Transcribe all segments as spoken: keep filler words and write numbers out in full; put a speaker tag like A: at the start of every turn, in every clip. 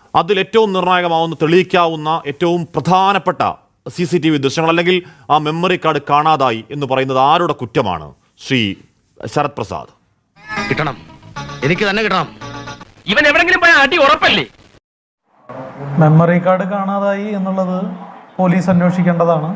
A: അതിൽ ഏറ്റവും നിർണായകമാവുന്ന തെളിയിക്കാവുന്ന ഏറ്റവും പ്രധാനപ്പെട്ട സി സി ടി വി ദൃശ്യങ്ങൾ അല്ലെങ്കിൽ ആ മെമ്മറി കാർഡ് കാണാതായി എന്ന് പറയുന്നത് ആരുടെ കുറ്റമാണ് ശ്രീ ശരത് പ്രസാദ്?
B: കിട്ടണം, എനിക്ക് തന്നെ കിട്ടണം.
C: ഇവൻ എവിടെങ്കിലും പോയ അടി ഉറപ്പല്ലേ?
D: മെമ്മറി കാർഡ് കാണാതായി എന്നുള്ളത് പോലീസ് അന്വേഷിക്കേണ്ടതാണ്.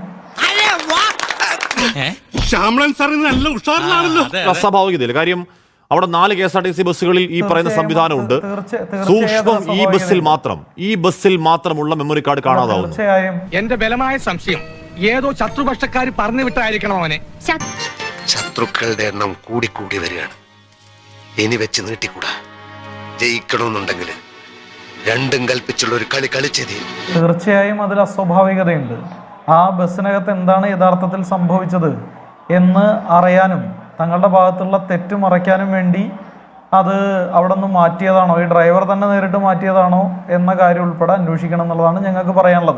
A: അസ്വാഭാവികതയില്ല. കാര്യം അവിടെ നാല് K S R T C ബസ്സുകളിൽ ഈ പറയുന്ന സംവിധാനമുണ്ട്. സൂക്ഷ്മം ഈ ബസ്സിൽ മാത്രം ഈ ബസ്സിൽ മാത്രമുള്ള മെമ്മറി കാർഡ് കാണാതാവുന്നു.
C: എന്റെ ബലമായ സംശയം ഏതോ ശത്രുപക്ഷക്കാർ പറഞ്ഞു വിട്ടായിരിക്കണം അവനെ.
E: ശത്രുക്കളുടെ എണ്ണം കൂടി കൂടി വരികയാണ്. ഇനി വെച്ച് നീട്ടിക്കൂടാ. ജയിക്കണമെന്നുണ്ടെങ്കിൽ രണ്ടും കൽപ്പിച്ചുള്ള ഒരു കളി കളിച്ചത്.
D: തീർച്ചയായും അതിൽ അസ്വാഭാവികതയുണ്ട്. ആ ബസ്സിനകത്ത് എന്താണ് യഥാർത്ഥത്തിൽ സംഭവിച്ചത് എന്ന് അറിയാനും തങ്ങളുടെ ഭാഗത്തുള്ള തെറ്റ് മറയ്ക്കാനും വേണ്ടി അത് അവിടെ നിന്ന് മാറ്റിയതാണോ, ഈ ഡ്രൈവർ തന്നെ നേരിട്ട് മാറ്റിയതാണോ എന്ന കാര്യം ഉൾപ്പെടെ അന്വേഷിക്കണം എന്നുള്ളതാണ് ഞങ്ങൾക്ക് പറയാനുള്ളത്.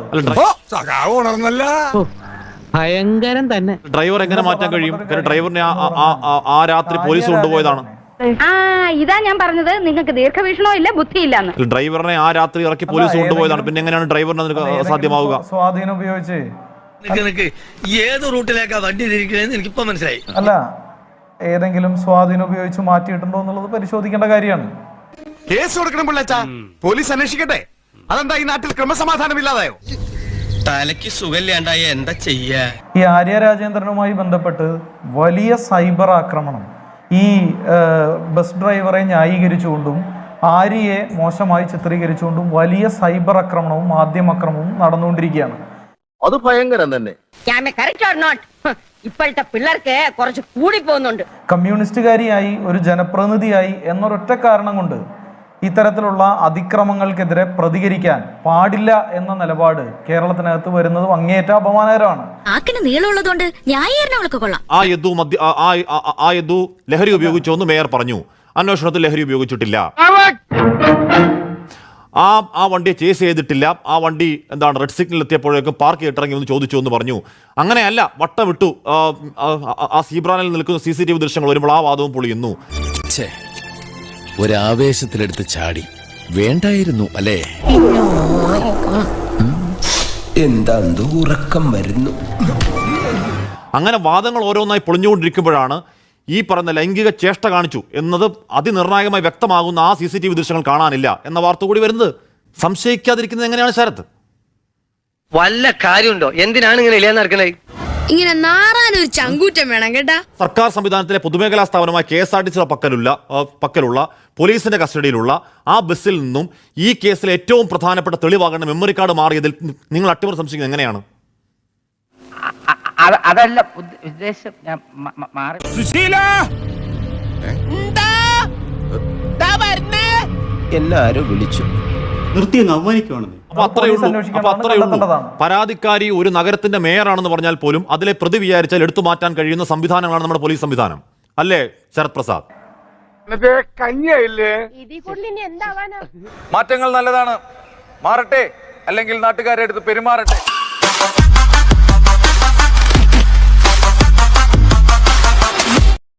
B: ഭയങ്കരം തന്നെ.
A: ഡ്രൈവർ എങ്ങനെ മാറ്റാൻ കഴിയും? ഡ്രൈവറിനെ ആ രാത്രി പോലീസ് കൊണ്ടുപോയതാണ്.
F: ഇതാ ഞാൻ പറഞ്ഞത്, നിങ്ങൾക്ക് ദീർഘവീക്ഷണോ ഇല്ല, ബുദ്ധിയില്ലാന്ന്.
A: ഡ്രൈവറിനെ ആ രാത്രി ഇറക്കി പോലീസ് കൊണ്ടുപോയതാണ്. പിന്നെ എങ്ങനെയാണ് ഡ്രൈവറിന് സാധ്യമാവുക?
D: സ്വാധീനം ഉപയോഗിച്ച്
B: ഏത് റൂട്ടിലേക്കാ വണ്ടി തിരിക്കണേന്ന് എനിക്കിപ്പോ മനസ്സിലായി.
D: അല്ല, ഏതെങ്കിലും സ്വാധീനം ഉപയോഗിച്ച് മാറ്റിയിട്ടുണ്ടോ എന്നുള്ളത് പരിശോധിക്കേണ്ട കാര്യമാണ്.
E: കേസ് കൊടുക്കണം പിള്ളേച്ചാ, പോലീസ് അന്വേഷിക്കട്ടെ. അതെന്താ ഈ നാട്ടിൽ ക്രമസമാധാനം ഇല്ലാതായോ?
B: തലയ്ക്ക് സുഖമില്ലാണ്ടായ എന്താ ചെയ്യാ?
D: ഈ ആര്യ രാജേന്ദ്രനുമായി ബന്ധപ്പെട്ട് വലിയ സൈബർ ആക്രമണം ഈ ബസ് ഡ്രൈവറെ ന്യായീകരിച്ചുകൊണ്ടും ആര്യയെ മോശമായി ചിത്രീകരിച്ചുകൊണ്ടും വലിയ സൈബർ ആക്രമണവും മാധ്യമക്രമവും നടന്നുകൊണ്ടിരിക്കുകയാണ്.
E: അത് ഭയങ്കരം തന്നെ.
F: ഇപ്പോഴത്തെ പിള്ളേർക്ക് കുറച്ച് കൂടി പോകുന്നുണ്ട്.
D: കമ്മ്യൂണിസ്റ്റുകാരിയായി ഒരു ജനപ്രതിനിധിയായി എന്നൊരൊറ്റ കാരണം കൊണ്ട് ഇത്തരത്തിലുള്ള അതിക്രമങ്ങൾക്കെതിരെ പ്രതികരിക്കാൻ പാടില്ല എന്ന നിലപാട് കേരളത്തിനകത്ത് വരുന്നത് അങ്ങേയറ്റ അപമാനകരമാണ്.
A: ആ യദു മദ്യ ആ യദു ലഹരി ഉപയോഗിച്ചു എന്ന് മേയർ പറഞ്ഞു. അന്വേഷണത്തിൽ ലഹരി ഉപയോഗിച്ചിട്ടില്ല. ആ ആ വണ്ടിയെ ചേസ് ചെയ്തിട്ടില്ല. ആ വണ്ടി എന്താണ് റെഡ് സിഗ്നൽ എത്തിയപ്പോഴേക്കും പാർക്ക് ചെയ്തിറങ്ങി എന്ന് ചോദിച്ചു എന്ന് പറഞ്ഞു. അങ്ങനെയല്ല, വട്ടം വിട്ടു. ആ സീബ്രാനിൽ നിൽക്കുന്ന സി സി ടി വി ദൃശ്യങ്ങൾ വരുമ്പോൾ ആ വാദവും പൊളിയുന്നു.
G: ഒരാവേശത്തിലെടുത്ത് ചാടി വേണ്ടായിരുന്നു അല്ലേ? എന്താ ഉറക്കം വരുന്നു.
A: അങ്ങനെ വാദങ്ങൾ ഓരോന്നായി പൊളിഞ്ഞുകൊണ്ടിരിക്കുമ്പോഴാണ് ഈ പറയുന്ന ലൈംഗിക ചേഷ്ട കാണിച്ചു എന്നത് അതിനിർണായകമായി വ്യക്തമാകുന്ന ആ സി സി ടി വി ദൃശ്യങ്ങൾ കാണാനില്ല എന്ന വാർത്ത കൂടി വരുന്നത്. സംശയിക്കാതിരിക്കുന്നത് എങ്ങനെയാണ് ശരത്ത്?
B: വല്ല കാര്യമുണ്ടോ? എന്തിനാണ് ഇങ്ങനെ ഇല്ലാന്ന് നടക്കണേ?
F: ഇങ്ങനെ നാറാനൊരു ചങ്കൂറ്റം വേണം കേട്ടാ.
A: സർക്കാർ സംവിധാനത്തിലെ പൊതുമേഖലാ സ്ഥാപനമായ കെ എസ് ആർ ടി സിയുടെ പക്കലുള്ള പക്കലുള്ള പോലീസിന്റെ കസ്റ്റഡിയിലുള്ള ആ ബസ്സിൽ നിന്നും ഈ കേസിലെ ഏറ്റവും പ്രധാനപ്പെട്ട തെളിവാകേണ്ട മെമ്മറി കാർഡ് മാറിയതിൽ നിങ്ങൾ അട്ടിമറി സംശയിക്കുന്നത് എങ്ങനെയാണ്?
C: അതല്ല ഉദ്ദേശം. ഞാൻ മാറി
G: എല്ലാരും വിളിച്ചു
H: നിർത്തി അവമാനിക്കുവാണെന്ന്.
A: അപ്പൊ അത്രയേ ഉള്ളൂ. അപ്പൊ അത്രയേ ഉള്ളൂ. പരാതിക്കാരി ഒരു നഗരത്തിന്റെ മേയറാണെന്ന് പറഞ്ഞാൽ പോലും അതിലെ പ്രതി വിചാരിച്ചാൽ എടുത്തു മാറ്റാൻ കഴിയുന്ന സംവിധാനങ്ങളാണ് നമ്മുടെ പോലീസ് സംവിധാനം. അല്ലേ ശരത് പ്രസാദ്?
I: മാറ്റങ്ങൾ നല്ലതാണ്, മാറട്ടെ, അല്ലെങ്കിൽ നാട്ടുകാരെ അടുത്ത് പെരുമാറട്ടെ.